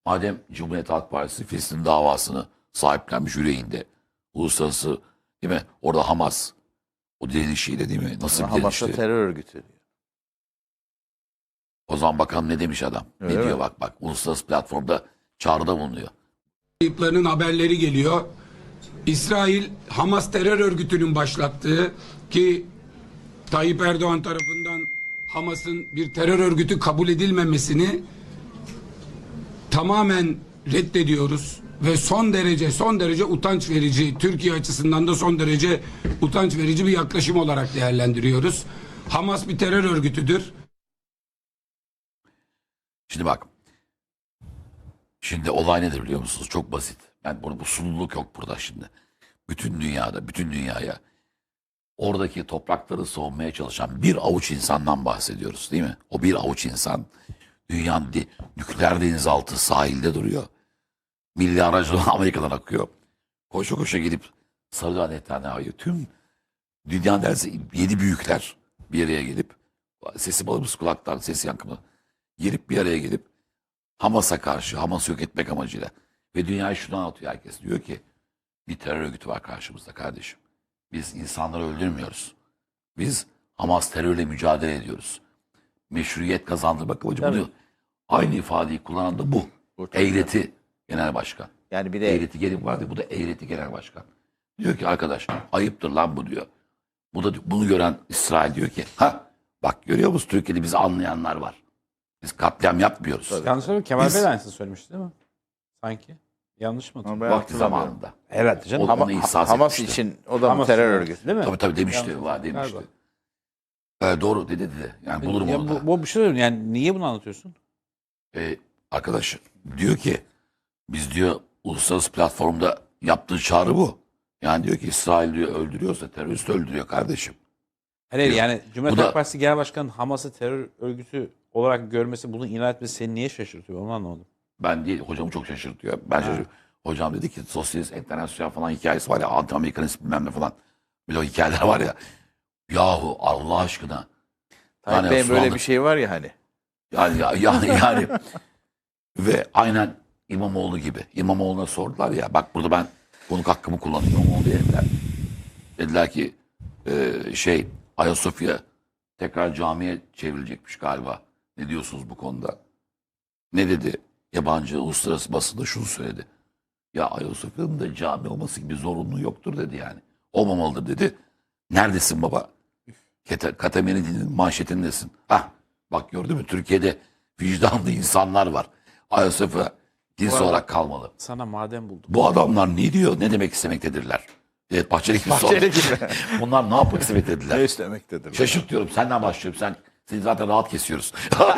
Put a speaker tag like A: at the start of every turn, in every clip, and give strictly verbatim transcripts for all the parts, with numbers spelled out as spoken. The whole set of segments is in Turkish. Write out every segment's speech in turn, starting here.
A: Madem Cumhuriyet Halk Partisi Filistin davasını sahiplenmiş yüreğinde, uluslararası değil mi? Orada Hamas, o direnişiyle değil mi? Nasıl bir
B: Hamas'a
A: direnişti?
B: terör örgütü diyor.
A: O zaman bakalım ne demiş adam?
B: Öyle
A: ne
B: mi?
A: diyor bak bak. Uluslararası platformda çağrıda bulunuyor.
C: Kayıplarının haberleri geliyor. İsrail Hamas terör örgütünün başlattığı ki Tayyip Erdoğan tarafından Hamas'ın bir terör örgütü kabul edilmemesini tamamen reddediyoruz ve son derece son derece utanç verici, Türkiye açısından da son derece utanç verici bir yaklaşım olarak değerlendiriyoruz. Hamas bir terör örgütüdür.
A: Şimdi bak. Şimdi olay nedir biliyor musunuz? Çok basit. Ben bunu bu sunuluk yok burada şimdi. Bütün dünyada, bütün dünyaya oradaki toprakları savunmaya çalışan bir avuç insandan bahsediyoruz değil mi? O bir avuç insan dünyanın de, nükleer denizaltı sahilde duruyor. Milli aracılar Amerika'dan akıyor. Koşa koşa gelip Sarıdağ Netanyahu'yu tüm dünya derse yedi büyükler bir araya gelip sesi balımız kulaktan ses yankımı gelip bir araya gelip Hamas'a karşı, Hamas'ı yok etmek amacıyla ve dünyayı şunu anlatıyor herkes. Diyor ki bir terör örgütü var karşımızda kardeşim. Biz insanları öldürmüyoruz. Biz Hamas terörle mücadele ediyoruz. Meşruiyet kazandırmak amacı bunu. Aynı ifadeyi kullanan da bu.
B: Bu tabii.
A: Eğreti Genel Başkan.
B: Yani bir de
A: Eğreti gelin vardı. Bu da Eğreti Genel Başkan. Diyor ki arkadaş ayıptır lan bu diyor. Bu da bunu gören İsrail diyor ki ha bak görüyor musun Türkiye'de bizi anlayanlar var. Biz katliam yapmıyoruz.
D: Yanlış söylüyorum. Kemal
A: Biz-
D: Bey de aynısını söylemişti değil mi? Sanki. Yanlış mı
B: Ama
D: hatırlıyorum?
B: ben
A: Vakti
B: hatırlamıyorum.
A: zamanında.
D: Herhalde canım.
A: O-
D: Ama
A: onu ihsas
B: Hamas
A: etmişti.
B: için o da mı
D: Hamas
B: terör
D: için,
B: örgütü?
D: değil mi?
A: Tabii tabii demişti.
D: Yanlış
A: Var demişti.
D: galiba.
A: Ee, doğru dedi dedi. Yani bulurum
D: Ya
A: onu da.
D: bu, bu bir şey söyleyeyim. Yani niye bunu anlatıyorsun?
A: Ee, arkadaş diyor ki biz diyor uluslararası platformda yaptığı çağrı bu. Yani diyor ki İsrail diyor öldürüyorsa terörist öldürüyor kardeşim.
D: Hayır
A: Yok.
D: yani Cumhuriyet
A: Bu da-
D: Halk Partisi Genel Başkanı'nın Hamas'ı terör örgütü olarak görmesi, bunu ilan etmesi seni niye şaşırtıyor? Onu anlamadım.
A: Ben değil hocamı çok şaşırtıyor. Ben şaşırıyorum. Hocam dedi ki sosyalist internasyonel falan hikayesi var ya anti-Amerikanist bilmem ne falan. Böyle o hikayeler var ya. Yahu Allah aşkına.
B: Tayyip
A: Yani
B: Bey'in böyle
A: Osmanlı-
B: bir şey var ya hani.
A: Yani, ya- yani, yani ve aynen İmamoğlu gibi. İmamoğlu'na sordular ya bak burada ben konuk hakkımı kullanıyorum. İmamoğlu dediler. Dediler ki e, şey Ayasofya tekrar camiye çevrilecekmiş galiba. Ne diyorsunuz bu konuda? Ne dedi? Yabancı uluslararası basında şunu söyledi. Ya Ayasofya'nın da cami olması gibi zorunluluğu yoktur dedi yani. Olmamalıdır dedi. Neredesin baba? Kete- Katameni'nin manşetindesin. Hah bak gördün mü Türkiye'de vicdanlı insanlar var. Ayasofya kilise
D: arada-
A: olarak kalmalı.
D: Sana maden buldum.
A: Bu adamlar ne diyor? Ne demek istemektedirler? Evet Bahçeli gibi
B: Bahçeli
A: sordu.
B: gibi.
A: Bunlar ne yapmak istemektedirler?
B: Ne istemektedir?
A: Şaşırt diyorum. Senden başlıyorum. Sen seni zaten rahat kesiyoruz.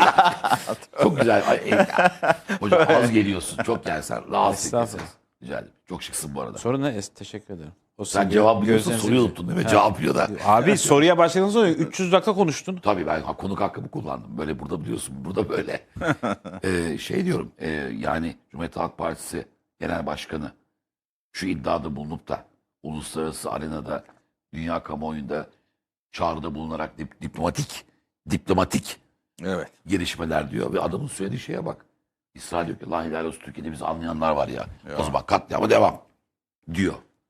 A: Çok güzel. Ay, ey, hocam az geliyorsun. Çok gelsen rahat
D: Estağfurullah.
A: keseriz. Rica ederim. Çok şıksın bu arada.
D: Sorun ne? Es- Teşekkür ederim. O
A: Sen
D: sizin
A: cevap biliyorsun,
D: gözlerinizi-
A: soruyu unuttun değil mi?
D: Ha.
A: Cevap biliyor da.
D: Abi soruya başladığınız sonra üç yüz dakika konuştun.
A: Tabii ben konuk hakkımı kullandım. Böyle burada biliyorsun, burada böyle. Ee, şey diyorum, e, yani Cumhuriyet Halk Partisi Genel Başkanı şu iddiada bulunup da uluslararası arenada, dünya kamuoyunda çağrıda bulunarak dip- diplomatik, diplomatik
B: Evet.
A: gelişmeler diyor. Ve adamın söylediği şeye bak. İsrail diyor ki, la helal olsun Türkiye'de bizi anlayanlar var ya. O zaman katliama devam diyor.